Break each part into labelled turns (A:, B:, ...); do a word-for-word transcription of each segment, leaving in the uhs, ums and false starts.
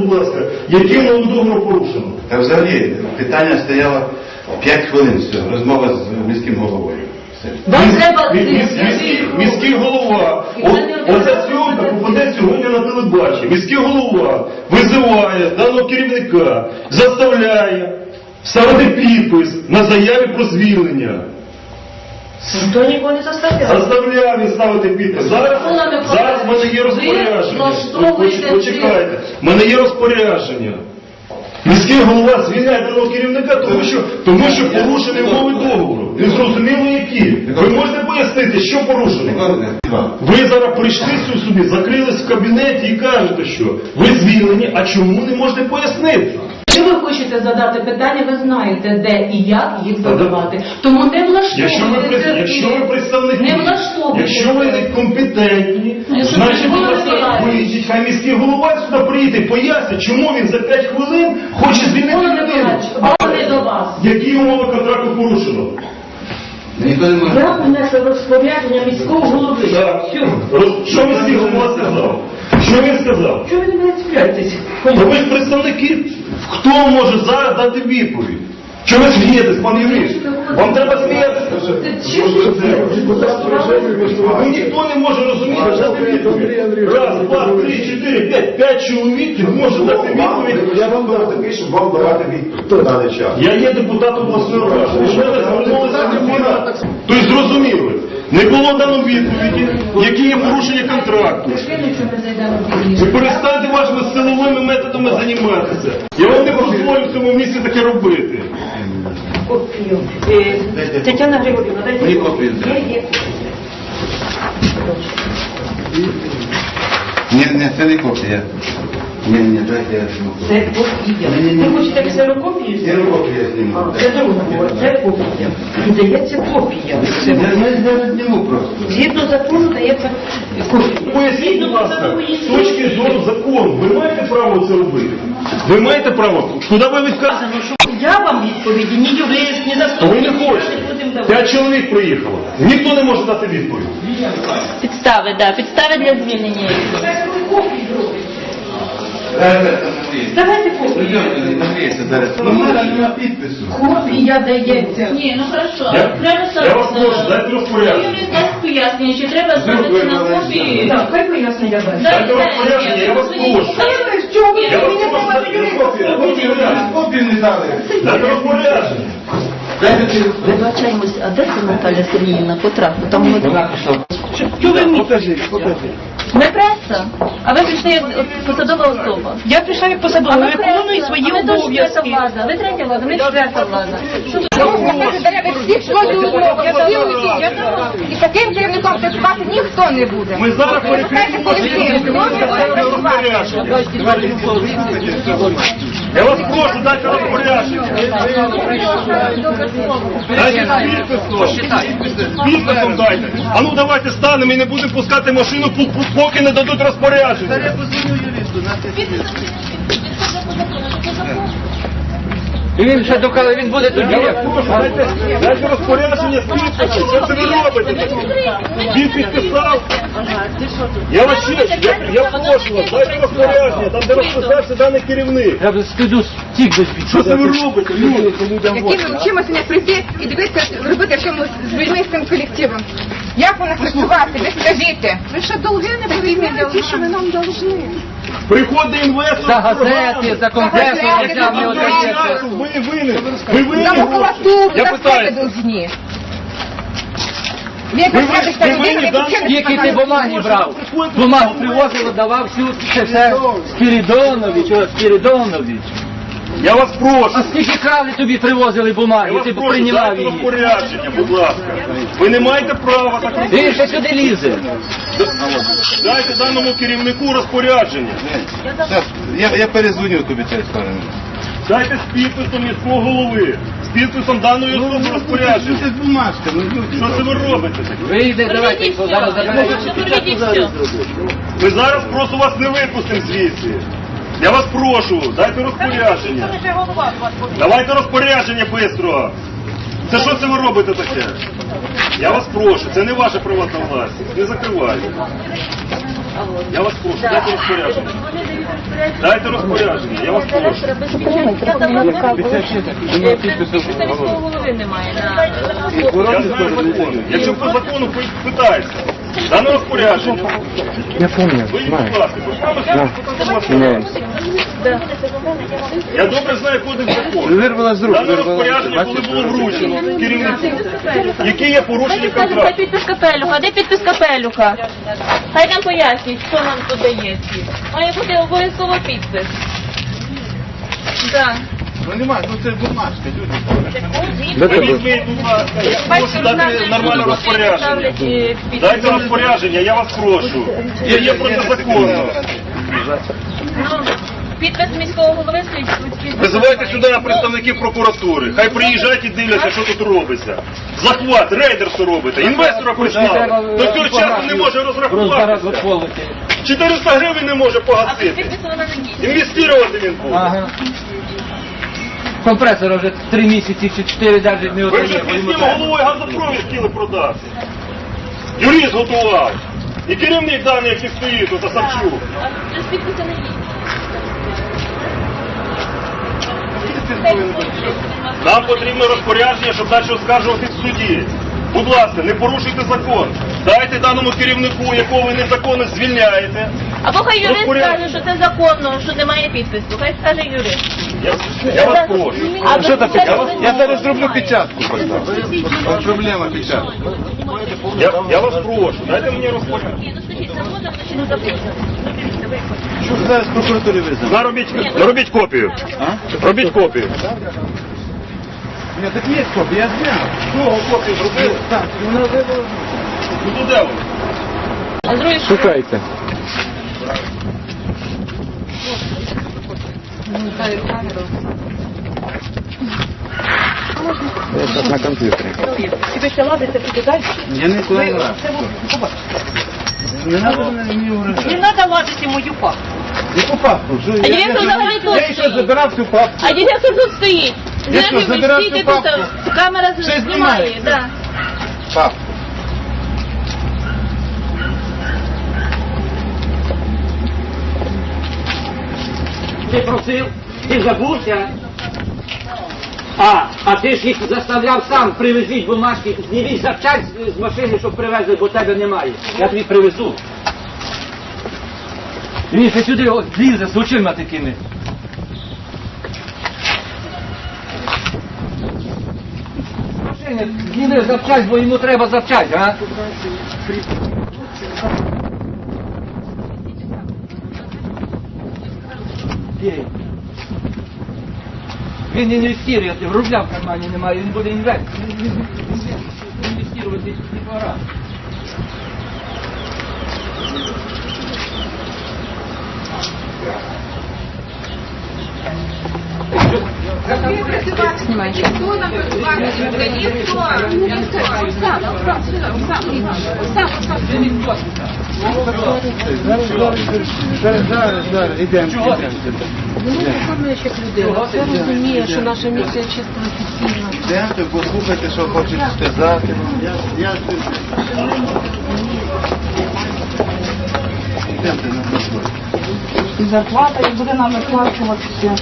A: будь ласка, який умови договору порушено?
B: Та взагалі питання стояло п'ять хвилин, все, розмова з міським головою.
C: Вам треба...
A: Міський, міський голова, оця зйомка попаде сьогодні на телебачення. Міський голова визиває даного керівника, заставляє ставити підпис на заяві про звільнення.
C: Ніхто нікого не заставляє.
A: Заставляє він ставити підпис. Зараз, зараз в мене є розпорядження. Почекайте, в мене є розпорядження. Міський голова звільняє даного керівника, тому що, тому що порушені умови договору. Не зрозуміло які. Ви можете пояснити, що порушено? Ви зараз прийшли сюди, закрились в кабінеті і кажете, що ви звільнені, а чому не можете пояснити?
C: Якщо ви хочете задати питання, ви знаєте, де і як їх задавати. Тому не
A: Якщо ви,
C: влаштовуйте.
A: якщо ви представники,
C: Не влаштовуйте.
A: якщо ви не компетентні,
C: Якщо
A: значить
C: ви
A: ви
C: не
A: виїдіть, хай міський голова сюди приїде, пояснить, чому він за п'ять хвилин хоче звільнити людину.
C: А не до вас.
A: Які умови контракту порушено?
C: Я внесла розпорядження міського голови.
A: Так. Роз- Що міський голова сказав? Що він сказав?
C: Чого ви не відстріляєтеся?
A: Ну, ви ж представники. Хто може зараз дати відповідь? Чого ви смієтесь, пан Юрій? Вам треба сміятися. Ну, ніхто не може розуміти, дати відповідь. Раз, два, три, чотири, п'ять. П'ять чоловік не може дати відповідь.
B: Я вам дав такий, щоб вам давати відповідь в даний час.
A: Я є депутат обласної ради. Що ви звернулися до мене? Тобто зрозуміли, не було дано відповіді, які є порушення контракту. Ви перестаньте вашими силовими методами займатися. Я вам не дозволю в цьому місці таке робити.
C: Копію. Тетяна Григорівна, дайте.
B: Мені копію.
C: Є, є.
B: Ні, ні, це не копія. Ні, ні, дайте я зніму.
C: Це копія. Ви хочете ксерокопію?
B: Я копію зніму.
C: А, це друга, це копія. І дається копія.
B: Я не зніму просто.
C: Згідно закону дається копія.
A: Поясніть, будь ласка, з точки зору закону, ви маєте право це робити? Ви маєте право? Куди ви відказуєте?
C: Я вам відповіді, ні юрист, ні
A: Ви
C: заступник.
A: не хочете. П'ять чоловік приїхало. Ніхто не може дати відповідь.
D: Підстави, да, підстави для звільнення.
C: Це копії зробить. Давайте копію.
B: Ну, в мене немає підпису.
C: Копія дається.
D: Ні, ну хорошо.
A: Я,
D: Треба
A: я вас прошу, дайте розпорядження.
D: Юрій дасть пояснення, чи треба зробити на копії.
C: Так, хай пояснення дасть.
A: Дайте розпорядження, я вас прошу.
C: Чого ви
A: Я вас
C: мені
A: прошу,
C: давати
A: дайте розпорядження.
B: Копію не дали.
A: Дайте розпорядження.
D: Вибачаємось, а де це Наталя Сергіївна потрапила? Там ми...
A: Покажи, покажи.
D: Ми преса, а ви прийшли як посадова особа.
E: Я прийшла як посадова,
D: А ви
E: виконую
D: преса,
E: свої
D: а ви теж четверта
E: обов'язки.
D: влада, ви третя влада, ми четверта влада. Що ви
F: І таким керівником працювати ніхто не буде.
A: Ми зараз перекриємо розпорядження. Я вас прошу, дайте розпорядження. Дайте підпис. Підписом дайте. А ну давайте станемо і не будемо пускати машину, поки не дадуть розпорядження.
G: І він ще докали, він буде тоді.
A: Я вас прошу, дайте, дайте розпорядження з підписом. Що це ви робите? Він підписав. Я вас ще, я, я прошу вас, дайте розпорядження, там де розписався даний керівник.
G: Я б скиду стік без підпису.
A: Що це ви робите, люди?
F: Яким вчимося не прийти і дивитися, робити що ми з людьми, з цим колективом. Як у нас працювати? Ви скажіть. Ви що долги не повинні ті, що ви нам должны.
A: Приходить інвестор.
G: За газети, за конгреси, яка не одається.
A: Ви винні. Ви винні
F: Нам
A: гроші.
F: макулатуру
A: Я
F: на себе
A: питаю.
F: должні.
A: Ви ви винні, да?
G: Скільки ти бумаги брав? Бумагу привозив, давав всю, це все Спірідонович, о, Спірідонович.
A: Я вас прошу.
G: А скільки крали тобі привозили
A: Я
G: бумаги,
A: вас
G: ти б
A: прошу,
G: прийняв
A: дайте
G: її.
A: розпорядження, будь ласка. Ви не маєте права так робити.
G: Він ще сюди лізе.
A: Дайте даному керівнику розпорядження.
B: Я, я перезвоню тобі цієї сторони.
A: Дайте з підписом міського голови. З підписом даної особи розпорядження.
B: Це бумажка, ну люди.
A: Що це ви робите таке?
G: Вийде, давайте,
D: Верніть
G: зараз
D: все.
G: заберемо.
D: Верніть все.
A: Ми зараз просто вас не випустимо звідси. Я вас прошу, дайте розпорядження. Давайте розпорядження швидко. Це що це ви робите таке? Я вас прошу, це не ваша приватна власність. Не закривайте.
D: А от.
A: Я вас прошу, дайте розпорядження.
D: Вони дають розпорядження.
A: Дайте розпорядження, я вас прошу.
D: Директора без печатки. Я давно не робила. Підписа міського голови немає на
A: Я знаю закони. Якщо по закону пи- питається, дане розпорядження.
E: Я помню,
A: Ви,
E: знаю.
A: будь ласка, будь ласка,
E: Меняемся.
A: я добре знаю кодекс закону.
E: Вирвала з рук,
A: Дане
E: вирвала.
A: розпорядження, коли було вручено керівнику, які є порушення
D: Хай хай
A: контракту.
D: підпис Капелюха, де підпис Капелюха? Хай нам пояснюють, хто нам тут дає ці. Має бути обов'язково підпис. Так.
B: Ну нема, ну це бумажка, люди.
E: Де
A: Ви
E: тебе?
A: візьміть, будь ласка, я прошу дати нормальне розпорядження.
D: е,
A: Дайте розпорядження, я вас прошу. Це є протизаконно.
D: Ну, підпис міського голови стоїть.
A: Визивайте сюди представників прокуратури. Хай приїжджають і дивляться, що тут робиться. Захват, рейдерство робите. Інвестора прислали. До цього часу не може розрахуватися. чотириста гривень не може
D: А
A: погасити.
D: підпису вона не дійсна.
A: Інвестувати він буде.
G: Ага. Компресор вже три місяці чи чотири навіть не
A: Ви вже
G: отримав.
A: з міським головою газопровід хотіли продати. Юрист готував. І керівник даний, який стоїть, тут, Савчук.
D: А без підпису не дійсна.
A: Нам потрібно розпорядження, щоб далі оскаржувати в суді. Будь ласка, не порушуйте закон. Дайте даному керівнику, якого ви незаконно звільняєте.
D: Або хай юрист
A: Розпорядження.
D: скаже, що це законно, що немає підпису. Хай скаже юрист.
A: Я, я вас прошу.
D: А
B: Що
D: ви-
B: таке?
D: це
B: Я,
D: не
B: я зараз
D: знаю.
B: зроблю печатку поставлю. От проблема печатки.
A: Я, я вас прошу, дайте мені розпорядження.
D: Ні, ну скажіть, законно чи не законно?
B: Що ж зараз прокуратурі визнав?
A: Наробіть, наробіть копію.
B: А?
A: Робіть копію.
B: Ні, так є копія, я зняв.
A: Кого копію зробили?
B: Так, вона вивела.
A: Ну то де вони?
D: А з другої сторони,
E: Шукайте. Я сейчас на компьютере.
B: Я не знаю. Не треба мені вражати.
C: Не треба лазити мою папу.
B: Яку папку? Що,
D: А директор взагалі тут
B: Я ще
D: стоїть.
B: забирав цю папку.
D: А директор тут стоїть.
B: Я що,
D: Зараз ви
B: забирав
D: стійте
B: цю
D: тут,
B: папку?
D: камера
B: Все
D: знімає.
B: знімається.
D: Да.
B: Папку.
G: Ти просив, ти забувся. А, а ти ж їх заставляв сам, привезіть бумажки, зніміть запчасть з- з машини, щоб привезли, бо тебе немає. Я тобі привезу. Він ще сюди от лізе з очима такими. З машини зніми запчасть, бо йому треба запчасть, а? Є. Він інвестує, рубля в кармані немає, він буде інвестувати. Інвестувати не пора.
F: Знімайте. Хто нам працювати? Ніхто. Ніхто. Сам, сам, сам, сам, сам.
B: Зараз, зараз, зараз, зараз, зараз, ідемо.
G: Чого ти?
C: Виконуючих людей. Все розуміє, що наша місія чисто офіційна.
B: Йдемте, послухайте, що хочуть сказати. Я, я... Йдемте на роботу.
C: Зарплата і буде нам виплачуватися.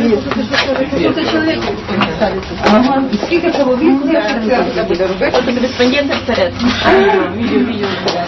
C: Ага. І скільки чоловік це буде робити?
D: От кореспондент вперед.
C: Відео, відео.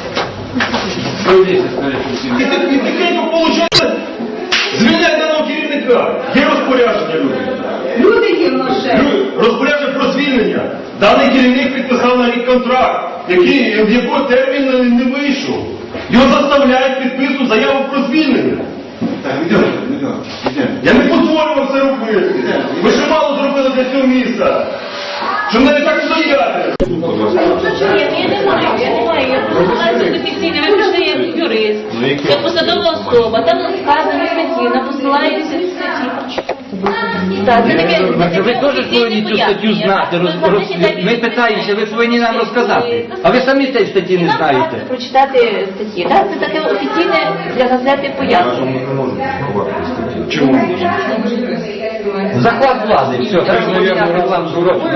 A: І тихенько получили звільняти даного керівника. Є розпорядження, люди.
C: Люди є в наше.
A: Люди, розпорядження про звільнення. Даний керівник підписав на рік контракт, який, в якого термін не- не вийшов. Його заставляють підписувати заяву про звільнення.
B: Так, йдемо, йдемо, йдемо.
A: Я не дозволю вам це робити. Ви ще мало зробили для цього місця. Щоб навіть так стояти.
D: Ні, я не маю, я не маю. Я посилаюся до офіційне. Ви прийшли як юрист, як посадова особа. Там сказано статті, на посилаєтеся в статті. Так, це таке, це таке
G: Ви теж повинні цю статтю знати. роз- роз- Ми питаємося, ви повинні нам розказати. А ви самі цієї статті не знаєте.
D: Прочитати статті. Так, це таке офіційне для газети пояснення.
A: Чому?
G: Захват влади, все, треба поміняти рекламу зворотню.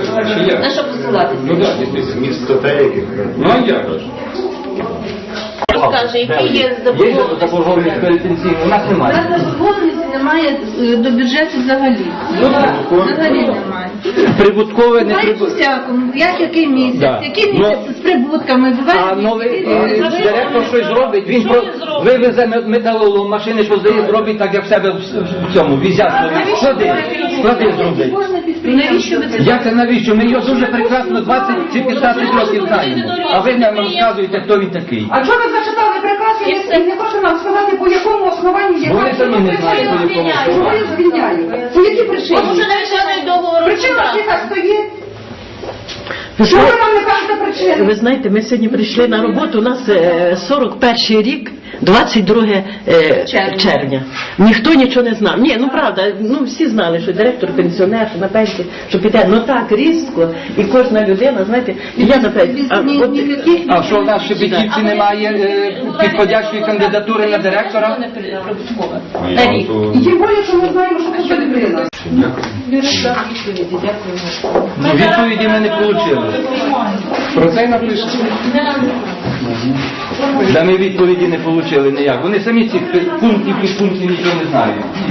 D: На що посилатися?
A: Ну а як?
D: розкаже, які є
G: Є
D: заборгованості.
G: заборгованість перед пенсійною, у нас
H: У
G: немає.
H: нас заборгованості немає е, до бюджету взагалі. Взагалі немає.
G: Прибуткове, не
H: Буває
G: прибуткове.
H: всякому, як який місяць,
G: Да.
H: який
G: Ну,
H: місяць з прибутками, буває.
G: А новий
H: місяць.
G: е, директор щось зробить, він
D: Що
G: про-
D: він зробить?
G: вивезе мет- металолом, машини поздає, зробить так, як в себе в- в цьому, візяткові. Склади, склади зробить.
H: Кожне підприємство.
C: Навіщо ви це
G: Як це навіщо? Ми його дуже прекрасно двадцять чи п'ятнадцять років знаємо. А ви нам розказуєте, хто він такий.
F: А чого ви зачитали приказ і не- і не хочете нам сказати, по якому основанні є?
G: Вони самі не знають, по якому
F: Чого я звільняю? По якій причині?
D: Тому що не виконують договору.
F: Причина ж яка стоїть? Чого ви нам не кажете причину?
I: Ви знаєте, ми сьогодні прийшли на роботу, у нас е, сорок перший рік, двадцять друге е,
C: Червня.
I: червня. Ніхто нічого не знав. Ні, ну правда, ну всі знали, що директор пенсіонер, що на пенсії, що піде. Ну так, різко, і кожна людина, знаєте, і я на пенсії. А,
H: Ні-
I: от-
H: ніяких
G: А що в нас в Шепетівці немає е, підходящої кандидатури на директора?
D: Прибуткове.
B: А
D: На
B: я
D: рік.
B: то-
F: І тим більше, що ми знаємо, що це людина.
C: Юрист дав відповіді, дякую.
G: Ну, відповіді ми не отримали.
E: Про це й напишуть.
G: Да ми відповіді не отримали ніяк. Вони самі цих пунктів, підпунктів нічого не знають.